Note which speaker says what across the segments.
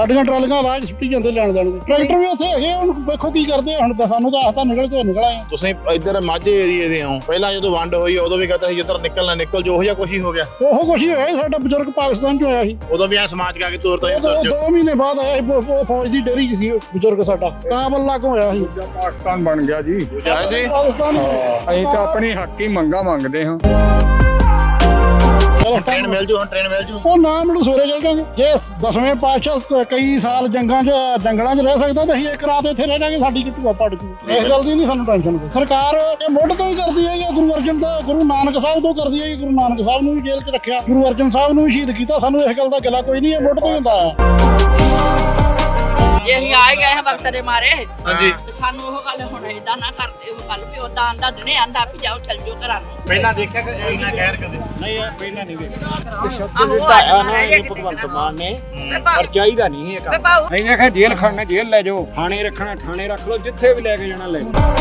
Speaker 1: ਸਾਡੀਆਂ ਟਰਾਲੀਆਂ ਰਾਜ ਸੁੱਟੀ ਜਾਂਦੇ ਲੈਣ ਜਾਣ ਦੇ ਟਰੈਕਟਰ ਵੀ ਉੱਥੇ ਹੈਗੇ ਹੁਣ ਵੇਖੋ ਕੀ ਕਰਦੇ ਹੁਣ ਤਾਂ ਸਾਨੂੰ ਤਾਂ ਆਹ ਨਿਕਲ ਕੇ ਨਿਕਲ ਆਏ
Speaker 2: ਤੁਸੀਂ ਇੱਧਰ ਮਾਝੇ ਏਰੀਏ ਦੇ ਹੋ ਪਹਿਲਾਂ ਜਦੋਂ ਵੰਡ ਹੋਈ ਉਦੋਂ ਵੀ ਕਹਤਾ ਸੀ ਜਿੱਧਰ ਨਿਕਲਣਾ ਨਿਕਲ ਜੋ ਉਹ ਜਿਹਾ ਕੁਛ ਹੀ ਹੋ ਗਿਆ
Speaker 1: ਉਹ ਕੁਛ ਹੀ ਹੋਇਆ ਸੀ ਸਾਡਾ ਬਜ਼ੁਰਗ ਪਾਕਿਸਤਾਨ ਚ ਹੋਇਆ ਸੀ
Speaker 2: ਉਦੋਂ ਵੀ ਐ ਸਮਾਜ ਕਾ ਕੇ ਤੋਰ ਤੋਂ
Speaker 1: 2 ਮਹੀਨੇ ਬਾਅਦ ਆਇਆ ਸੀ ਫੌਜ ਦੀ ਡੇਰੀ ਚ ਸੀ ਬਜ਼ੁਰਗ ਸਾਡਾ ਕਾਬਲ ਲਾਗੋਂ ਹੋਇਆ ਸੀ
Speaker 3: ਪਾਕਿਸਤਾਨ ਬਣ ਗਿਆ ਜੀ
Speaker 1: ਪਾਕਿਸਤਾਨ
Speaker 3: ਅਸੀਂ ਤਾਂ ਆਪਣੀ ਹੱਕੀ ਮੰਗਾਂ ਮੰਗਦੇ ਹਾਂ
Speaker 2: ਟ੍ਰੇਨ ਮਿਲ ਜੂ ਹੁਣ ਟ੍ਰੇਨ ਮਿਲ ਜੂ
Speaker 1: ਉਹ ਨਾ ਮੈਨੂੰ ਸਵੇਰੇ ਚੱਲ ਜਾਵਾਂਗੇ ਜੇ 10ਵੇਂ ਪਾਤਸ਼ਾਹ ਕਈ ਸਾਲ ਜੰਗਲਾਂ 'ਚ ਰਹਿ ਸਕਦਾ ਤਾਂ ਅਸੀਂ ਇੱਕ ਰਾਤ ਇੱਥੇ ਰਹਿ ਜਾਵਾਂਗੇ ਸਾਡੀ ਕਿਤੂਆ ਪੜ ਜੂ ਇਸ ਗੱਲ ਦੀ ਨਹੀਂ ਸਾਨੂੰ ਟੈਨਸ਼ਨ ਸਰਕਾਰ ਇਹ ਮੁੱਢ ਤੋਂ ਹੀ ਕਰਦੀ ਹੈ ਗੁਰੂ ਅਰਜਨ ਦਾ ਗੁਰੂ ਨਾਨਕ ਸਾਹਿਬ ਤੋਂ ਕਰਦੀ ਹੈ ਗੁਰੂ ਨਾਨਕ ਸਾਹਿਬ ਨੂੰ ਵੀ ਜੇਲ੍ਹ 'ਚ ਰੱਖਿਆ ਗੁਰੂ ਅਰਜਨ ਸਾਹਿਬ ਨੂੰ ਵੀ ਸ਼ਹੀਦ ਕੀਤਾ ਸਾਨੂੰ ਇਸ ਗੱਲ ਦਾ ਗਿਲਾ ਕੋਈ ਨਹੀਂ ਇਹ ਮੁੱਢ ਤੋਂ ਹੀ ਹੁੰਦਾ ਆ
Speaker 4: ਜੇ ਅਸੀਂ ਆਏ ਗਏ ਹਾਂ ਵਕਤ ਦੇ ਮਾਰੇ
Speaker 2: ਹਾਂਜੀ
Speaker 4: ਤੇ ਸਾਨੂੰ ਉਹ ਗੱਲ ਹੁਣ ਏਦਾਂ ਨਾ ਕਰਦੇ ਉਹ ਗੱਲ ਵੀ ਉਦਾਂ ਆਂਦਾ ਦਿਨੇ ਆਂਦਾ ਵੀ ਜਾਓ ਚੱਲ ਜਾਓ ਘਰਾਂ ਨੂੰ
Speaker 2: ਪਹਿਲਾਂ ਦੇਖਿਆ ਕਿ ਇੰਨਾ ਕਹਿਰ ਕਦੇ ਨਹੀਂ ਪਹਿਲਾਂ ਨਹੀਂ
Speaker 5: ਭਗਵੰਤ ਮਾਨ ਨੇ ਪਰ ਚਾਹੀਦਾ ਨਹੀਂ ਇਹ ਕੰਮ ਨਹੀਂ ਆਖਿਆ ਜੇਲ੍ਹ ਖੜਨਾ ਜੇਲ੍ਹ ਲੈ ਜਾਓ ਥਾਣੇ ਰੱਖਣਾ ਥਾਣੇ ਰੱਖ ਲਓ ਜਿੱਥੇ ਵੀ ਲੈ ਕੇ ਜਾਣਾ ਲੈ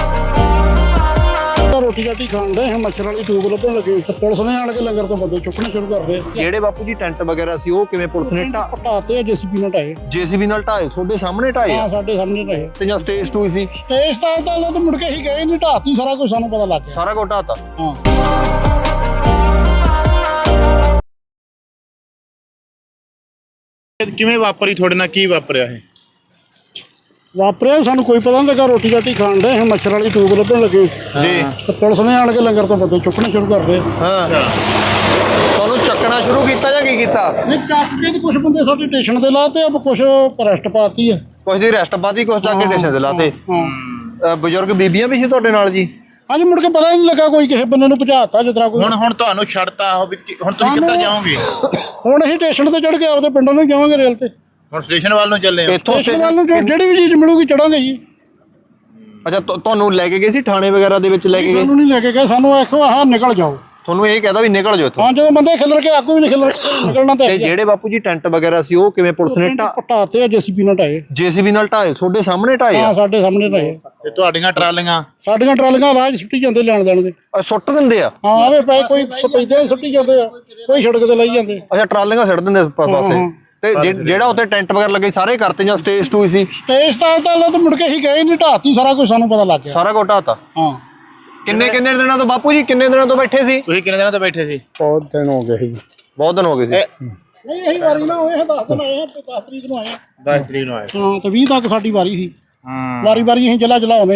Speaker 1: ਰੋਟੀ ਰਾਟੀ ਖਾਣ ਦੇ ਮੱਛਰ ਵਾਲੀ ਟੂਬ ਲੱਭਣ ਲੱਗੇ ਪੁਲਿਸ ਨੇ ਆਣ ਕੇ ਲੰਗਰ ਤੋਂ ਬੰਦੇ ਚੁੱਕਣੇ ਸ਼ੁਰੂ ਕਰ ਦੇ
Speaker 6: ਜਿਹੜੇ ਬਾਪੂ ਜੀ ਟੈਂਟ ਵਗੈਰਾ ਸੀ ਉਹ ਕਿਵੇਂ ਪੁਲਿਸ ਨੇ
Speaker 1: ਢਾਤੇ ਜੇਸੀਬੀ ਨਾਲ ਢਾਏ
Speaker 6: ਜੀਸੀਬੀ ਨਾਲ ਢਾਏ ਤੁਹਾਡੇ ਸਾਹਮਣੇ ਢਾਏ
Speaker 1: ਹਾਂ ਸਾਡੇ ਸਾਹਮਣੇ ਢਾਏ
Speaker 6: ਤੇ ਜਾਂ ਸਟੇਜ 2 ਸੀ
Speaker 1: ਸਟੇਜ ਤਾਂ ਮੁੜ ਕੇ ਹੀ ਗਏ ਨਹੀਂ ਢਾਤੀ ਸਾਰਾ ਕੁਝ ਸਾਨੂੰ ਪਤਾ ਲੱਗ ਗਿਆ
Speaker 6: ਸਾਰਾ ਕੁਝ ਢਾਤਾ
Speaker 1: ਹਾਂ
Speaker 2: ਕਿਵੇਂ ਵਾਪਰੀ ਤੁਹਾਡੇ ਨਾਲ ਕੀ ਵਾਪਰਿਆ ਇਹ
Speaker 1: ਵਾਪਰਿਆ ਸਾਨੂੰ ਕੋਈ ਪਤਾ ਨਹੀਂ ਲੱਗਾ ਰੋਟੀ ਰਾਟੀ ਖਾਣ ਦੇ ਮੱਛਰ ਵਾਲੀ ਟੂਬ ਲੱਭਣ ਲੱਗੇ
Speaker 6: ਜੀ
Speaker 1: ਤੇ ਪੁਲਿਸ ਨੇ ਆਣ ਕੇ ਲੰਗਰ ਤੋਂ ਬੰਦੇ ਚੁੱਕਣੇ ਸ਼ੁਰੂ ਕਰ ਦੇ
Speaker 6: ਹਾਂ ਤੁਹਾਨੂੰ ਚੱਕਣਾ ਸ਼ੁਰੂ ਕੀਤਾ ਜਾਂ ਕੀ ਕੀਤਾ
Speaker 1: ਨਹੀਂ ਚੱਕ ਕੇ ਤੇ ਕੁਝ ਬੰਦੇ ਸਾਡੇ ਸਟੇਸ਼ਨ ਤੇ ਲਾਤੇ ਆ ਕੁਝ ਅਰੈਸਟ ਪਾਤੀ ਆ
Speaker 6: ਕੁਝ ਦੀ ਰੈਸਟ ਪਾਤੀ ਕੁਝ ਚੱਕ ਕੇ ਸਟੇਸ਼ਨ ਤੇ ਲਾਤੇ
Speaker 1: ਹਾਂ
Speaker 6: ਬਜ਼ੁਰਗ ਬੀਬੀਆਂ ਵੀ ਸੀ ਤੁਹਾਡੇ ਨਾਲ ਜੀ
Speaker 1: ਹਾਂਜੀ ਮੁੜ ਕੇ ਪਤਾ ਹੀ ਨਹੀਂ ਲੱਗਾ ਕੋਈ ਕਿਸੇ ਬੰਦੇ ਨੂੰ ਭਜਾਤਾ ਜਿਸ ਤਰ੍ਹਾਂ ਕੋਈ
Speaker 2: ਹੁਣ ਤੁਹਾਨੂੰ ਛੱਡਤਾ ਉਹ ਹੁਣ ਤੁਸੀਂ ਕਿੱਧਰ ਜਾਓਗੇ
Speaker 1: ਹੁਣ ਅਸੀਂ ਸਟੇਸ਼ਨ ਤੇ ਚੜ ਕੇ ਆਪਦੇ ਪਿੰਡਾਂ ਨੂੰ ਜਾਵਾਂਗੇ ਰੇਲ ਤੇ
Speaker 2: ਹੁਣ ਸਟੇਸ਼ਨ ਵੱਲ ਨੂੰ ਚੱਲੇ ਹੋ
Speaker 6: ਇੱਥੋਂ
Speaker 1: ਸਟੇਸ਼ਨ ਵੱਲ ਨੂੰ ਜਿਹੜੀ ਵੀ ਚੀਜ਼ ਮਿਲੂਗੀ ਚੜਾਂਗੇ ਜੀ
Speaker 6: ਅੱਛਾ ਤੁਹਾਨੂੰ ਲੈ ਕੇ ਗਏ ਸੀ ਥਾਣੇ ਵਗੈਰਾ ਦੇ ਵਿੱਚ ਲੈ ਕੇ ਗਏ
Speaker 1: ਸਾਨੂੰ ਨਹੀਂ ਲੈ ਕੇ ਗਏ ਸਾਨੂੰ ਆਖੋ ਆਹ ਨਿਕਲ ਜਾਓ
Speaker 6: ਤੁਹਾਨੂੰ ਇਹ ਕਹਦਾ ਵੀ ਨਿਕਲ ਜਾਓ ਇੱਥੋਂ
Speaker 1: ਹਾਂ ਜਦੋਂ ਬੰਦੇ ਖਿਲਰ ਕੇ ਆਕੂ ਵੀ ਨਿਕਲਣਾ
Speaker 6: ਤੇ ਜਿਹੜੇ ਬਾਪੂ ਜੀ ਟੈਂਟ ਵਗੈਰਾ ਸੀ ਉਹ ਕਿਵੇਂ ਪੁਲਿਸ ਨੇ
Speaker 1: ਢਾਤੇ ਜੇਸੀਬੀ ਨਾਲ ਢਾਏ
Speaker 6: ਜੀਸੀਬੀ ਨਾਲ ਢਾਏ ਤੁਹਾਡੇ ਸਾਹਮਣੇ ਢਾਏ
Speaker 1: ਹਾਂ ਸਾਡੇ ਸਾਹਮਣੇ ਢਾਏ
Speaker 2: ਤੇ ਤੁਹਾਡੀਆਂ ਟਰਾਲੀਆਂ
Speaker 1: ਸਾਡੀਆਂ ਟਰਾਲੀਆਂ ਰਾਜ ਸੁੱਟੀ ਜਾਂਦੇ ਲੈਣ ਜਾਣ ਦੇ
Speaker 6: ਸੁੱਟ ਦਿੰਦੇ ਆ
Speaker 1: ਹਾਂ ਆਵੇ ਪਏ ਕੋਈ ਸਪੈਦੇ ਸੁੱਟੀ ਜਾਂਦੇ ਆ ਕੋਈ ਸੜਕ ਤੇ ਲਈ ਜਾਂਦੇ
Speaker 6: ਅੱਛਾ ਟਰਾਲੀਆਂ ਛੱਡ ਦਿੰਦੇ ਪਾਸੇ ਤੇ ਜਿਹੜਾ ਉੱਤੇ ਟੈਂਟ ਵਗੈਰਾ ਲੱਗੇ ਸਾਰੇ ਕਰਤੇ ਜਾਂ ਸਟੇਜ 2 ਸੀ
Speaker 1: ਸਟੇਜ ਤਾਂ ਮੁੜ ਕੇ ਹੀ ਗਏ ਨਹੀਂ ਢਾਤੀ ਸਾਰਾ ਕੁਝ ਸਾਨੂੰ ਪਤਾ ਲੱਗ ਗਿਆ
Speaker 6: ਸਾਰਾ ਕੁਝ ਢਾਤਾ
Speaker 1: ਹਾਂ
Speaker 6: ਕਿੰਨੇ ਦਿਨਾਂ ਤੋਂ ਬਾਪੂ ਜੀ ਕਿੰਨੇ ਦਿਨਾਂ ਤੋਂ ਬੈਠੇ ਸੀ
Speaker 2: ਤੁਸੀਂ ਕਿੰਨੇ ਦਿਨਾਂ ਤੋਂ ਬੈਠੇ ਸੀ
Speaker 5: ਬਹੁਤ ਦਿਨ ਹੋ ਗਏ ਸੀ
Speaker 6: ਬਹੁਤ ਦਿਨ ਹੋ ਗਏ ਸੀ
Speaker 1: ਨਹੀਂ ਇਹੀ ਵਾਰੀ ਨਾ ਹੋਏ 10 ਦਿਨ ਆਏ 10 ਤਰੀਕ ਨੂੰ ਆਏ
Speaker 2: 10 ਤਰੀਕ ਨੂੰ ਆਏ
Speaker 1: ਹਾਂ ਤੇ 20 ਤੱਕ ਸਾਡੀ ਵਾਰੀ ਸੀ
Speaker 2: ਹਾਂ
Speaker 1: ਵਾਰੀ ਅਸੀਂ ਜਲਾ ਆਉਂਦੇ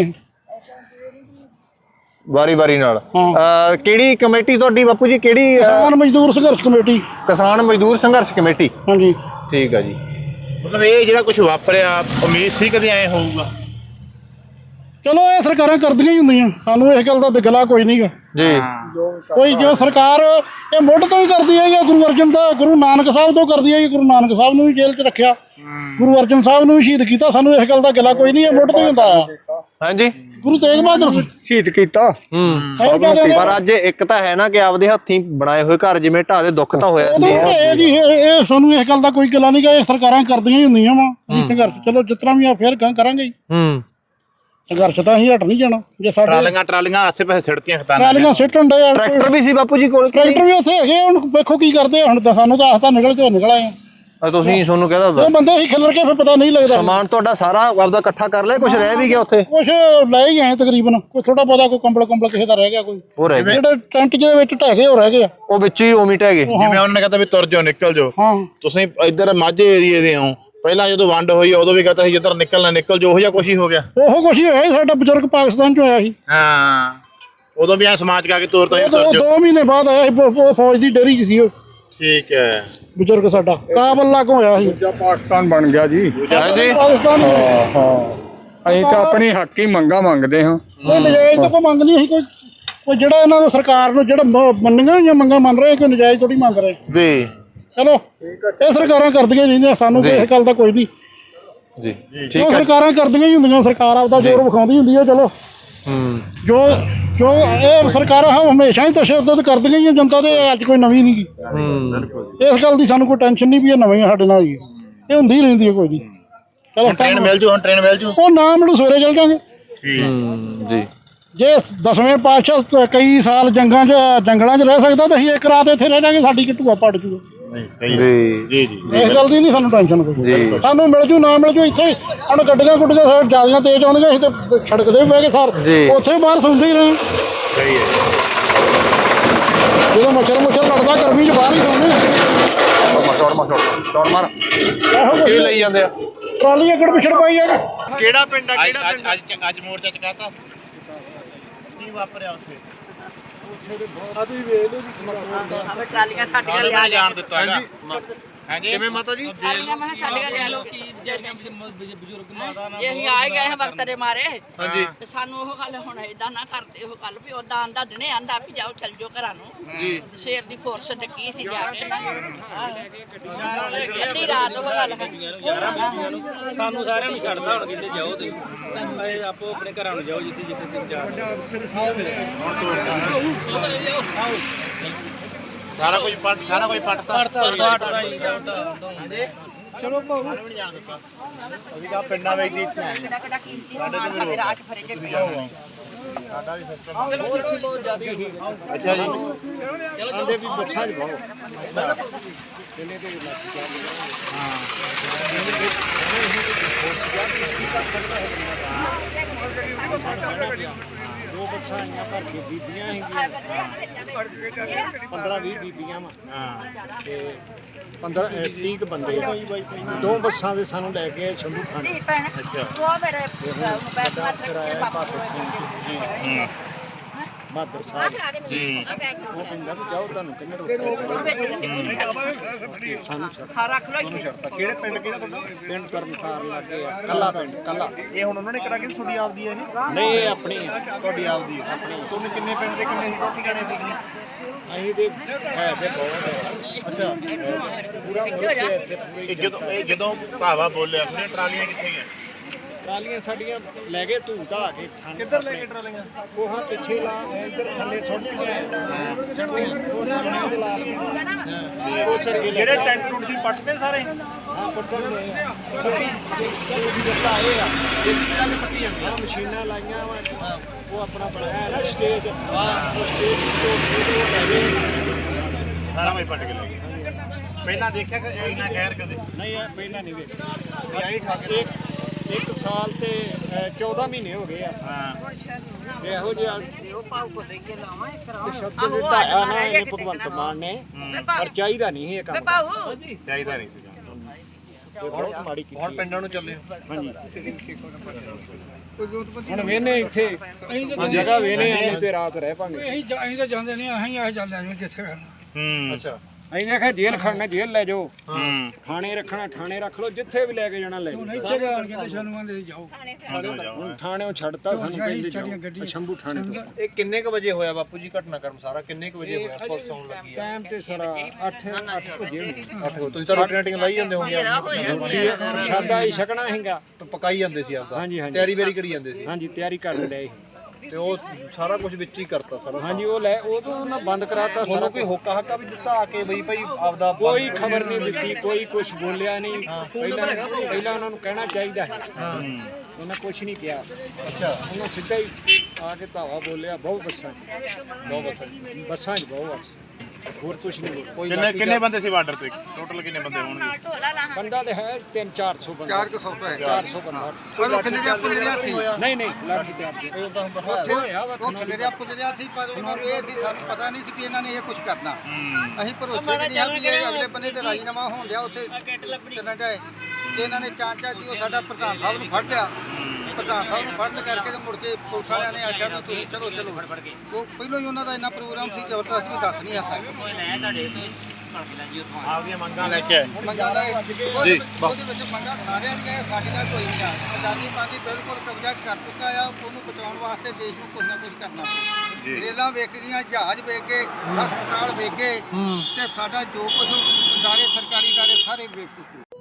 Speaker 6: ਵਾਰੀ ਨਾਲ
Speaker 1: ਹਾਂ।
Speaker 6: ਕਿਹੜੀ ਕਮੇਟੀ ਤੁਹਾਡੀ ਬਾਪੂ ਜੀ ਕਿਹੜੀ
Speaker 1: ਕਿਸਾਨ ਮਜ਼ਦੂਰ ਸੰਘਰਸ਼ ਕਮੇਟੀ
Speaker 6: ਕਿਸਾਨ ਮਜ਼ਦੂਰ ਸੰਘਰਸ਼ ਕਮੇਟੀ
Speaker 1: ਹਾਂਜੀ
Speaker 6: ਠੀਕ ਆ ਜੀ
Speaker 2: ਮਤਲਬ ਇਹ ਜਿਹੜਾ ਕੁਝ ਵਾਪਰਿਆ ਉਮੀਦ ਸੀ ਕਦੇ ਐ ਹੋਊਗਾ
Speaker 1: ਚਲੋ ਇਹ ਸਰਕਾਰਾਂ ਕਰਦੀਆਂ ਹੀ ਹੁੰਦੀਆਂ ਸਾਨੂੰ ਇਸ ਗੱਲ ਦਾ ਦਿਗਲਾ ਕੋਈ ਨਹੀਂਗਾ
Speaker 6: ਜੀ
Speaker 1: ਕੋਈ ਜੋ ਸਰਕਾਰ ਇਹ ਮੁੱਢ ਤੋਂ ਹੀ ਕਰਦੀ ਹੈ ਗੁਰੂ ਅਰਜਨ ਦਾ ਗੁਰੂ ਨਾਨਕ ਸਾਹਿਬ ਤੋਂ ਕਰਦੀ ਹੈ ਗੁਰੂ ਨਾਨਕ ਸਾਹਿਬ ਨੂੰ ਵੀ ਜੇਲ੍ਹ 'ਚ ਰੱਖਿਆ ਗੁਰੂ ਅਰਜਨ ਸਾਹਿਬ ਨੂੰ ਵੀ ਸ਼ਹੀਦ ਕੀਤਾ ਸਾਨੂੰ ਇਸ ਗੱਲ ਦਾ ਗਿਲਾ ਕੋਈ ਨਹੀਂ ਇਹ ਮੁੱਢ ਤੋਂ ਹੀ ਹੁੰਦਾ ਆ
Speaker 6: ਹਾਂਜੀ
Speaker 1: ਗੁਰੂ ਤੇਗ ਬਹਾਦਰ
Speaker 3: ਸ਼ਹੀਦ ਕੀਤਾ
Speaker 6: ਪਰ ਅੱਜ ਇੱਕ ਤਾਂ ਹੈ ਨਾ ਕਿ ਆਪਦੇ ਹੱਥੀਂ ਬਣਾਏ ਹੋਏ ਘਰ ਜਿਵੇਂ ਢਾਹ ਦੇ ਦੁੱਖ ਤਾਂ ਹੋਇਆ ਸੀ
Speaker 1: ਇਹ ਸਾਨੂੰ ਇਸ ਗੱਲ ਦਾ ਕੋਈ ਗਿਲਾ ਨਹੀਂਗਾ ਇਹ ਸਰਕਾਰਾਂ ਕਰਦੀਆਂ ਹੀ ਹੁੰਦੀਆਂ ਵਾ ਸੰਘਰਸ਼ ਚਲੋ ਜਿਸ ਤਰ੍ਹਾਂ ਵੀ ਆ ਫੇਰ ਕਰਾਂਗੇ ਹੀ ਸੰਘਰਸ਼ ਤਾਂ ਅਸੀਂ ਹਟ ਨਹੀਂ ਜਾਣਾ ਜੇ ਸਾਡੇ
Speaker 2: ਟਰਾਲੀਆਂ ਆਸੇ ਪਾਸੇ ਸਿੜਤੀਆਂ ਖਤਾਨਾਂ
Speaker 1: ਟਰਾਲੀਆਂ ਸਿੱਟਣ ਦੇ
Speaker 6: ਟਰੈਕਟਰ ਵੀ ਸੀ ਬਾਪੂ ਜੀ ਕੋਲ
Speaker 1: ਟਰੈਕਟਰ ਵੀ ਉੱਥੇ ਹੈਗੇ ਹੁਣ ਵੇਖੋ ਕੀ ਕਰਦੇ ਹੁਣ ਤਾਂ ਸਾਨੂੰ ਤਾਂ ਆਸਤਾ ਨਿਕਲ ਕੇ ਨਿਕਲ ਆਏ
Speaker 6: ਤੁਸੀਂ ਤੁਹਾਨੂੰ ਕਹਦਾ
Speaker 1: ਉਹ ਬੰਦੇ ਹੀ ਖਿਲਰ ਕੇ ਫਿਰ ਪਤਾ ਨਹੀਂ ਲੱਗਦਾ
Speaker 6: ਸਮਾਨ ਤੁਹਾਡਾ ਸਾਰਾ ਆਪਦਾ ਇਕੱਠਾ ਕਰ ਲਿਆ ਕੁਝ ਰਹਿ ਵੀ ਗਿਆ ਉੱਥੇ
Speaker 1: ਕੁਛ ਲੈ ਹੀ ਆਏ ਤਕਰੀਬਨ ਕੋਈ ਥੋੜਾ ਬਹੁਤਾ ਕੋਈ ਕੰਬਲ ਕਿਸੇ ਦਾ ਰਹਿ ਗਿਆ ਕੋਈ
Speaker 6: ਉਹ ਰਹਿ ਗਿਆ
Speaker 1: ਜਿਹੜੇ ਟੈਂਟ ਜਿਹਦੇ ਵਿੱਚ ਢਹਿ ਗਏ ਉਹ ਰਹਿ ਗਏ ਆ
Speaker 6: ਉਹ ਵਿੱਚ ਹੀ ਉਮੀਟ ਹੈਗੇ
Speaker 2: ਜਿਵੇਂ ਉਹਨਾਂ ਨੇ ਕਹਤਾ ਵੀ ਤੁਰ ਜਾਓ ਨਿਕਲ ਜਾਓ
Speaker 1: ਹਾਂ
Speaker 2: ਤੁਸੀਂ ਇੱਧਰ ਮਾਝੇ ਏਰੀਏ ਦੇ ਹੋ ਪਹਿਲਾਂ ਜਦੋਂ ਵੰਡ ਹੋਈ ਉਦੋਂ ਵੀ ਕਹਤਾ ਸੀ ਜਿੱਧਰ ਨਿਕਲਣਾ ਨਿਕਲ ਜੋ ਉਹ ਜਿਹਾ ਕੁਛ ਹੀ ਹੋ ਗਿਆ
Speaker 1: ਉਹ ਕੁਛ ਹੀ ਹੋਇਆ ਸੀ ਸਾਡਾ ਬਜ਼ੁਰਗ ਪਾਕਿਸਤਾਨ ਚ ਹੋਇਆ ਸੀ
Speaker 2: ਹਾਂ ਉਦੋਂ ਵੀ ਐ ਸਮਾਜ ਕਾ ਕੇ ਤੋਰ ਤੋਂ
Speaker 1: 2 ਮਹੀਨੇ ਬਾਅਦ ਆਇਆ ਸੀ ਫੌਜ ਦੀ ਡੇਰੀ ਚ ਸੀ ਉਹ
Speaker 2: ਠੀਕ ਹੈ
Speaker 1: ਬਜ਼ੁਰਗ ਸਾਡਾ ਕਾਬਲ ਲਾਗੋਂ ਹੋਇਆ ਸੀ
Speaker 3: ਪਾਕਿਸਤਾਨ ਬਣ ਗਿਆ ਜੀ
Speaker 1: ਪਾਕਿਸਤਾਨ
Speaker 3: ਅਸੀਂ ਤਾਂ ਆਪਣੀ ਹੱਕੀ ਮੰਗਾਂ ਮੰਗਦੇ ਹਾਂ
Speaker 1: ਕੋਈ ਨਜਾਇਜ਼ ਤਾਂ ਕੋਈ ਮੰਗ ਨਹੀਂ ਸੀ ਕੋਈ ਜਿਹੜਾ ਇਹਨਾਂ ਨੂੰ ਸਰਕਾਰ ਨੂੰ ਜਿਹੜਾ ਮੰਨੀਆਂ ਜਾਂ ਮੰਗਾਂ ਮੰਨ ਰਹੇ ਕੋਈ ਨਜਾਇਜ਼ ਥੋੜੀ ਮੰਗ ਰਹੇ
Speaker 6: ਜੀ
Speaker 1: ਚਲੋ ਇਹ ਸਰਕਾਰਾਂ ਕਰਦੀਆਂ ਨਹੀਂ ਸਾਨੂੰ ਇਸ ਗੱਲ ਦਾ ਕੋਈ ਨਹੀਂ
Speaker 6: ਜੀ
Speaker 1: ਜੋ ਸਰਕਾਰਾਂ ਕਰਦੀਆਂ ਹੀ ਹੁੰਦੀਆਂ ਸਰਕਾਰ ਆਪਦਾ ਜ਼ੋਰ ਵਿਖਾਉਂਦੀ ਹੁੰਦੀ ਹੈ ਚਲੋ ਜੋ ਇਹ ਸਰਕਾਰਾਂ ਹਮੇਸ਼ਾ ਹੀ ਤਸ਼ੱਦਦ ਕਰਦੀਆਂ ਹੀ ਜਨਤਾ ਦੇ ਅੱਜ ਕੋਈ ਨਵੀਂ ਨਹੀਂ ਗੀ ਇਸ ਗੱਲ ਦੀ ਸਾਨੂੰ ਕੋਈ ਟੈਨਸ਼ਨ ਨਹੀਂ ਵੀ ਇਹ ਨਵੀਂ ਸਾਡੇ ਨਾਲ ਹੀ ਇਹ ਹੁੰਦੀ ਰਹਿੰਦੀ ਹੈ ਕੋਈ ਨਹੀਂ ਚਲੋ
Speaker 2: ਟ੍ਰੇਨ ਮਿਲ ਜੂ ਹੁਣ ਟ੍ਰੇਨ ਮਿਲ ਜੂ
Speaker 1: ਉਹ ਨਾ ਮੈਨੂੰ ਸਵੇਰੇ ਚੱਲ ਜਾਵਾਂਗੇ
Speaker 6: ਜੀ
Speaker 1: ਜੇ 10ਵੇਂ ਪਾਤਸ਼ਾਹ ਕਈ ਸਾਲ ਜੰਗਲਾਂ 'ਚ ਰਹਿ ਸਕਦਾ ਤਾਂ ਅਸੀਂ ਇੱਕ ਰਾਤ ਇੱਥੇ ਰਹਿ ਜਾਵਾਂਗੇ ਸਾਡੀ ਕਿਤੂਆ ਪੜ ਜੂਗਾ
Speaker 2: ਨਹੀਂ ਸਹੀ ਹੈ।
Speaker 6: ਜੀ
Speaker 2: ਜੀ
Speaker 1: ਇਸ ਗੱਲ ਦੀ ਨਹੀਂ ਸਾਨੂੰ ਟੈਨਸ਼ਨ ਕੋਈ
Speaker 6: ਜੀ।
Speaker 1: ਸਾਨੂੰ ਮਿਲ ਜੂ ਨਾ ਮਿਲ ਜੂ ਇੱਥੇ ਹੁਣ ਗੱਡੀਆਂ ਗੁੱਡੀਆਂ ਸਾਡੇ ਜਿਆਦਾ ਤੇਜ਼ ਆਉਣਗੀਆਂ ਅਸੀਂ ਤੇ ਸੜਕ ਤੇ ਵੀ ਬਹਿ ਕੇ ਸਰ
Speaker 6: ਜੀ।
Speaker 1: ਉੱਥੇ ਬਾਹਰ ਸੁਣਦੇ ਹੀ ਰਹੇ
Speaker 2: ਸਹੀ ਹੈ।
Speaker 1: ਜਦੋਂ ਮੱਛਰ ਲੜਦਾ ਗਰਮੀ 'ਚ ਬਾਹਰ ਹੀ ਸੌਂਦੇ
Speaker 6: ਸ਼ੌਟ ਮਾਰ ਕੀ ਲਈ ਜਾਂਦੇ ਆ
Speaker 1: ਟਰਾਲੀ ਅੱਗੜ ਪਿਛੜ ਪਾਈ ਆ
Speaker 6: ਕਿਹੜਾ ਪਿੰਡ ਆ ਕਿਹੜਾ ਪਿੰਡ ਆ?
Speaker 2: ਅੱਜ ਮੋਰਚਾ ਚਕਾਤਾ ਕੀ ਵਾਪਰਿਆ ਉੱਥੇ
Speaker 4: ਟਰਾਲੀਆਂ ਸਾਡੀਆਂ
Speaker 2: ਸਾਨੂੰ
Speaker 4: ਲਿਆ
Speaker 2: ਨਹੀਂ ਜਾਣ ਦਿੱਤਾ ਹੈਗਾ ਹਾਂਜੀ
Speaker 6: ਕਿਵੇਂ ਮਾਤਾ ਜੀ
Speaker 4: ਟਰਾਲੀਆਂ ਮੈਂ ਕਿਹਾ ਸਾਡੀਆਂ ਲਿਆ ਲੋ ਕੀ ਬਜ਼ੁਰਗ ਮਾਤਾ ਨਾਲ ਅਸੀਂ ਆ ਗਏ ਹਾਂ ਵਕਤ ਦੇ ਮਾਰੇ
Speaker 6: ਹਾਂਜੀ
Speaker 4: ਤੇ ਸਾਨੂੰ ਉਹ ਗੱਲ ਹੁਣ ਏਦਾਂ ਨਾ ਕਰਦੇ ਉਹ ਗੱਲ ਵੀ ਉਦਾਂ ਆਂਦਾ ਦਿਨੇ ਆਂਦਾ ਵੀ ਜਾਓ ਚੱਲ ਜਾਓ ਘਰਾਂ ਨੂੰ
Speaker 6: ਜੀ
Speaker 4: ਸ਼ੇਰ ਦੀ ਫੋਰਸ ਡੱਕੀ ਸੀ ਜਾ ਕੇ ਅੱਧੀ ਰਾਤ ਉਹ ਗੱਲ ਹੈ
Speaker 7: ਸਾਨੂੰ ਸਾਰਿਆਂ ਨੂੰ ਛੱਡਦਾ ਹੁਣ ਕਹਿੰਦੇ ਜਾਓ ਤੁਸੀਂ ਆਪੋ ਆਪਣੇ ਘਰਾਂ ਨੂੰ ਜਾਓ ਜਿੱਥੇ ਜਿੱਥੇ ਤੁਸੀਂ ਜਾ
Speaker 2: ਸਾਰਾ ਕੁਝ ਪੱਟਤਾ
Speaker 1: ਚਲੋ ਭਾਉ
Speaker 2: ਸਾਨੂੰ ਨਹੀਂ ਜਾਣ ਦਿੱਤਾ ਅਸੀਂ ਕਹਾ ਪਿੰਡਾਂ ਵਿੱਚ ਦੀ
Speaker 4: ਕਿਹੜਾ ਕਿਹੜਾ ਕੀਮਤੀ ਸਮਾਨ ਸਾਡੇ ਰਾਜ ਫਰੇ ਜੇ ਪਿਆ
Speaker 2: ਸਾਡਾ ਵੀ ਸਿਸਟਮ
Speaker 5: ਬਹੁਤ ਜ਼ਿਆਦਾ ਹੀ
Speaker 2: ਅੱਛਾ ਜੀ
Speaker 5: ਆਂਦੇ ਵੀ ਬੱਸਾਂ 'ਚ ਬਹੁ ਕਿੰਨੇ ਤੇ ਲੱਗ ਗਿਆ ਦੋ ਬੱਸਾਂ ਆਈਆਂ ਭਰ ਕੇ ਬੀਬੀਆਂ ਹੈਗੀਆਂ 15-20 ਬੀਬੀਆਂ ਵਾ
Speaker 2: ਹਾਂ
Speaker 5: ਤੇ 30 ਕੁ ਬੰਦੇ ਆ। ਦੋ ਬੱਸਾਂ ਦੇ ਸਾਨੂੰ ਲੈ ਕੇ ਸ਼ੰਭੂ ਖਾਨ
Speaker 2: ਅੱਛਾ
Speaker 4: ਉਹ ਮੇਰੇ ਬੈਠ
Speaker 5: ਸਰਾਇਆ ਬਹਾਦਰ ਸਿੰਘ ਜੀ
Speaker 2: ਹੂੰ
Speaker 5: ਬਹਾਦਰ ਸਾਹਿਬ ਉਹ ਕਹਿੰਦਾ ਵੀ ਜਾਓ ਤੁਹਾਨੂੰ ਕਿੰਨੇ ਸਾਨੂੰ ਛੱਡ
Speaker 4: ਰੱਖ ਲੋ
Speaker 6: ਕਿਹੜੇ ਪਿੰਡ ਕਿਹੜਾ ਤੁਹਾਡਾ
Speaker 5: ਪਿੰਡ ਕਰਮਤਾਰ ਲੱਗੇ ਆ ਕੱਲਾ ਪਿੰਡ ਕੱਲਾ
Speaker 6: ਇਹ ਹੁਣ ਉਹਨਾਂ ਨੇ ਕਰਾ ਕੇ ਤੁਹਾਡੀ ਆਪਦੀ ਹੈ ਇਹ
Speaker 5: ਨਹੀਂ ਇਹ ਆਪਣੀ ਆ।
Speaker 6: ਤੁਹਾਡੀ ਆਪਦੀ ਆਪਣੀ ਤੁਹਾਨੂੰ ਕਿੰਨੇ ਪਿੰਡ ਦੇ ਕਿੰਨੇ ਰੋਟੀ ਖਾਣੇ ਦੀ
Speaker 5: ਅਸੀਂ ਤੇ ਹੈ ਤੇ ਬਹੁਤ
Speaker 6: ਅੱਛਾ
Speaker 5: ਪੂਰਾ ਮੁਲਕ ਹੈ ਇੱਥੇ ਪੂਰੀ
Speaker 2: ਜਦੋਂ ਭਾਵਾ ਬੋਲਿਆ ਉਹਨੇ ਟਰਾਲੀਆਂ ਕਿੱਥੇ ਗਈਆਂ
Speaker 5: ਟਰਾਲੀਆਂ ਸਾਡੀਆਂ ਲੈ ਗਏ ਧੂ ਧਾ ਕੇ ਠੰਡ
Speaker 6: ਕਿੱਧਰ ਲੈ ਕੇ ਟਰਾਲੀਆਂ
Speaker 5: ਕੋਹਾਂ ਪਿੱਛੇ ਲਾ ਇੱਧਰ ਥੱਲੇ ਸੁੱਟੀਆਂ ਉਹਨਾਂ ਬਣਾ ਦੇ ਲਾ ਲਈਆਂ ਉਹ ਸਰ
Speaker 6: ਜਿਹੜੇ ਟੈਂਟ ਟੁੱਟ ਸੀ ਪੱਟਦੇ ਸਾਰੇ
Speaker 5: ਹਾਂ ਪੱਟਣ ਦੇ
Speaker 6: ਪੱਟੀ
Speaker 5: ਆਏ ਆ
Speaker 6: ਦੇਸੀ ਤਰ੍ਹਾਂ ਦੀ ਪੱਟੀ ਜਾਂਦੀ
Speaker 5: ਆਹ ਮਸ਼ੀਨਾਂ ਲਾਈਆਂ ਵਾ ਉਹ ਆਪਣਾ ਬਣਾਇਆ ਨਾ ਸਟੇਜ ਉਹ ਸਟੇਜ ਤੋਂ ਲੈ ਗਏ
Speaker 2: ਸਾਰਾ ਕੁਝ ਪੱਟ ਕੇ ਲੈ ਗਏ ਪਹਿਲਾਂ ਦੇਖਿਆ ਕਿ ਇੰਨਾ ਖੈਰ ਕਦੇ
Speaker 5: ਨਹੀਂ ਇਹ ਪਹਿਲਾਂ ਨਹੀਂ ਵੇਖਿਆ
Speaker 6: ਆਈ ਖਾ ਕੇ
Speaker 5: ਇੱਕ ਸਾਲ ਤੇ 14 ਮਹੀਨੇ ਹੋ ਗਏ ਆ
Speaker 2: ਹਾਂ
Speaker 5: ਇਹੋ ਜਿਹਾ
Speaker 4: ਉਹ ਪਾਉ ਕੋ ਲੈ ਕੇ ਲਾਵਾਂ ਇੱਕ ਰਾਹ
Speaker 5: ਸ਼ਬਦ ਢਾਇਆ ਨਾ ਇਹਨੇ ਭਗਵੰਤ ਮਾਨ ਨੇ ਪਰ ਚਾਹੀਦਾ ਨਹੀਂ ਇਹ ਕੰਮ
Speaker 4: ਪਾਉ
Speaker 2: ਚਾਹੀਦਾ ਨਹੀਂ ਸੀਗਾ
Speaker 5: ਇਹ ਬਹੁਤ ਮਾੜੀ ਕੀਤੀ
Speaker 6: ਹੁਣ ਪਿੰਡਾਂ ਨੂੰ ਚੱਲੇ
Speaker 5: ਹਾਂਜੀ ਹੁਣ ਵੇਨੇ ਇੱਥੇ ਜਗ੍ਹਾ ਵੇਨੇ ਆਏ ਤੇ ਰਾਤ ਰਹਿ ਪਾਂਗੇ
Speaker 3: ਅਸੀਂ ਤਾਂ ਜਾਂਦੇ ਨਹੀਂ ਅਸੀਂ ਆ ਜਾਂਦੇ ਹਾਂ ਜਿੱਥੇ
Speaker 2: ਹੂੰ
Speaker 6: ਅੱਛਾ
Speaker 5: ਅਸੀਂ ਆਖਿਆ ਜੇਲ੍ਹ ਖੜਨਾ ਜੇਲ੍ਹ ਲੈ ਜਾਓ
Speaker 2: ਹੂੰ
Speaker 5: ਥਾਣੇ ਰੱਖਣਾ ਥਾਣੇ ਰੱਖ ਲਓ ਜਿੱਥੇ ਵੀ ਲੈ ਕੇ ਜਾਣਾ ਲੈ ਜਾਓ
Speaker 3: ਇੱਥੇ ਆਣ ਕੇ ਤੇ ਸਾਨੂੰ ਆਂਦੇ ਜਾਓ
Speaker 5: ਹੁਣ ਥਾਣੇੋਂ ਛੱਡਤਾ ਸਾਨੂੰ ਕਹਿੰਦੇ ਜਾਓ ਸ਼ੰਭੂ ਥਾਣੇ ਤੋਂ
Speaker 6: ਇਹ ਕਿੰਨੇ ਕ ਵਜੇ ਹੋਇਆ ਬਾਪੂ ਜੀ ਘਟਨਾਕ੍ਰਮ ਸਾਰਾ ਕਿੰਨੇ ਕ ਵਜੇ ਹੋਇਆ ਪੁਲਿਸ ਆਉਣ ਲੱਗੀ ਆ
Speaker 5: ਟਾਈਮ ਤੇ ਸਰਾ 8 ਵਜੇ
Speaker 6: 8 ਵਜੇ ਤੁਸੀਂ ਤਾਂ ਰੋਟੀ ਰਾਟੀਆਂ ਲਾਈ ਜਾਂਦੇ ਹੋਗੇ
Speaker 5: ਪ੍ਰਸ਼ਾਦਾ ਹੀ ਛਕਣਾ ਹੈਗਾ
Speaker 6: ਪਕਾਈ ਜਾਂਦੇ ਸੀ ਆਪਦਾ
Speaker 5: ਹਾਂਜੀ, ਹਾਂਜੀ।
Speaker 6: ਤਿਆਰੀ ਵੇਰੀ ਕਰੀ ਜਾਂਦੇ ਸੀ
Speaker 5: ਹਾਂਜੀ ਤਿਆਰੀ ਕਰਨ ਡਏ
Speaker 6: ਤੇ ਉਹ ਸਾਰਾ ਕੁਝ ਵਿੱਚ ਹੀ ਕਰਤਾ ਸਾਰਾ
Speaker 5: ਹਾਂਜੀ ਉਹ ਲੈ ਉਹ ਤੋਂ ਉਹਨਾਂ ਬੰਦ ਕਰਾਤਾ ਸਾਰਾ
Speaker 6: ਤੁਹਾਨੂੰ ਕੋਈ ਹੋਕਾ ਹੱਕਾ ਵੀ ਦਿੱਤਾ ਆ ਕੇ ਬਈ ਭਾਈ ਆਪਦਾ
Speaker 5: ਕੋਈ ਖਬਰ ਨਹੀਂ ਦਿੱਤੀ ਕੋਈ ਕੁਝ ਬੋਲਿਆ ਨਹੀਂ ਪਹਿਲਾਂ ਉਹਨਾਂ ਨੂੰ ਕਹਿਣਾ ਚਾਹੀਦਾ ਹੈ ਉਹਨਾਂ ਕੁਝ ਨਹੀਂ ਕਿਹਾ
Speaker 6: ਅੱਛਾ
Speaker 5: ਉਹਨਾਂ ਸਿੱਧਾ ਹੀ ਆ ਕੇ ਧਾਵਾ ਬੋਲਿਆ ਬਹੁਤ ਬੱਸਾਂ 'ਚ ਬੱਸਾਂ 'ਚ ਬਹੁਤ ਹੋਰ ਕੁਝ ਨਹੀਂ ਬੋਲਿਆ
Speaker 6: ਕੋਈ
Speaker 2: ਕਿੰਨੇ ਬੰਦੇ ਸੀ ਬਾਰਡਰ ਤੇ ਟੋਟਲ ਕਿੰਨੇ ਬੰਦੇ ਹੋਣਗੇ
Speaker 4: ਢੋਲਾ ਲਾ
Speaker 5: ਬੰਦਾ ਤੇ ਹੈ 300-400 ਬੰਦਾ
Speaker 6: 400 ਤੋਂ ਹੈ
Speaker 5: 400 ਬੰਦਾ
Speaker 6: ਕੋਈ ਖਿੱਲੇ ਦੇ ਪੁੱਲੇ ਦੇ ਸੀ
Speaker 5: ਨਹੀਂ ਨਹੀਂ ਲਾਠੀ ਚਾਰਜ ਹੋਇਆ ਵਾ
Speaker 8: ਉਹ ਖਿਲਰਿਆ ਰਿਹਾ ਪੁੱਜਿਆ ਸੀ ਪਰ ਉਹਨਾਂ ਨੂੰ ਇਹ ਸੀ ਸਾਨੂੰ ਪਤਾ ਨਹੀਂ ਸੀ ਵੀ ਇਹਨਾਂ ਨੇ ਇਹ ਕੁਝ ਕਰਨਾ ਅਸੀਂ ਭਰੋਸੇ ਨਹੀਂ ਆ ਵੀ ਇਹ ਅਗਲੇ ਬੰਨੇ ਤੇ ਰਾਜੀਨਾਮਾ ਹੋਣ ਡਿਆ ਉੱਥੇ ਚੱਲਣ ਡਿਆ ਤੇ ਇਹਨਾਂ ਨੇ ਚਾਂਚਾ ਸੀ ਉਹ ਸਾਡਾ ਪ੍ਰਧਾਨ ਸਾਹਿਬ ਨੂੰ ਫੜ ਲਿਆ ਪ੍ਰਧਾਨ ਸਾਹਿਬ ਨੂੰ ਫੜਨ ਕਰਕੇ ਤੇ ਮੁੜ ਕੇ ਪੁਲਿਸ ਵਾਲਿਆਂ ਨੇ ਆਖਿਆ ਵੀ ਤੁਸੀਂ ਚਲੋ ਉਹ ਪਹਿਲਾਂ ਹੀ ਉਹਨਾਂ ਦਾ ਇੰਨਾ ਪ੍ਰੋਗਰਾਮ ਸੀ ਜ਼ਬਰਦਸਤ ਵੀ ਦੱਸ ਨਹੀਂ ਆ ਸਕਦੇ
Speaker 2: ਆਪਦੀਆਂ ਮੰਗਾਂ ਲੈ ਕੇ ਆਏ
Speaker 8: ਮੰਗਾ ਦਾ ਉਹਦੇ ਵਿੱਚ ਮੰਗਾ ਸਾਰਿਆਂ ਦੀਆਂ ਸਾਡੀਆਂ ਕੋਈ ਨਹੀਂ ਆ ਆਜ਼ਾਦੀ ਪਾਰਟੀ ਬਿਲਕੁਲ ਕਬਜ਼ਾ ਕਰ ਚੁੱਕਾ ਆ ਉਹਨੂੰ ਬਚਾਉਣ ਵਾਸਤੇ ਦੇਸ਼ ਨੂੰ ਕੁਝ ਨਾ ਕੁਝ ਕਰਨਾ ਪਊ ਰੇਲਾਂ ਵੇਚ ਗਈਆਂ ਜਹਾਜ਼ ਵੇਚ ਗਏ ਹਸਪਤਾਲ ਵੇਚ ਗਏ ਤੇ ਸਾਡਾ ਜੋ ਕੁਝ ادارے ਸਰਕਾਰੀ ادارے ਸਾਰੇ ਵੇਚ ਚੁੱਕੇ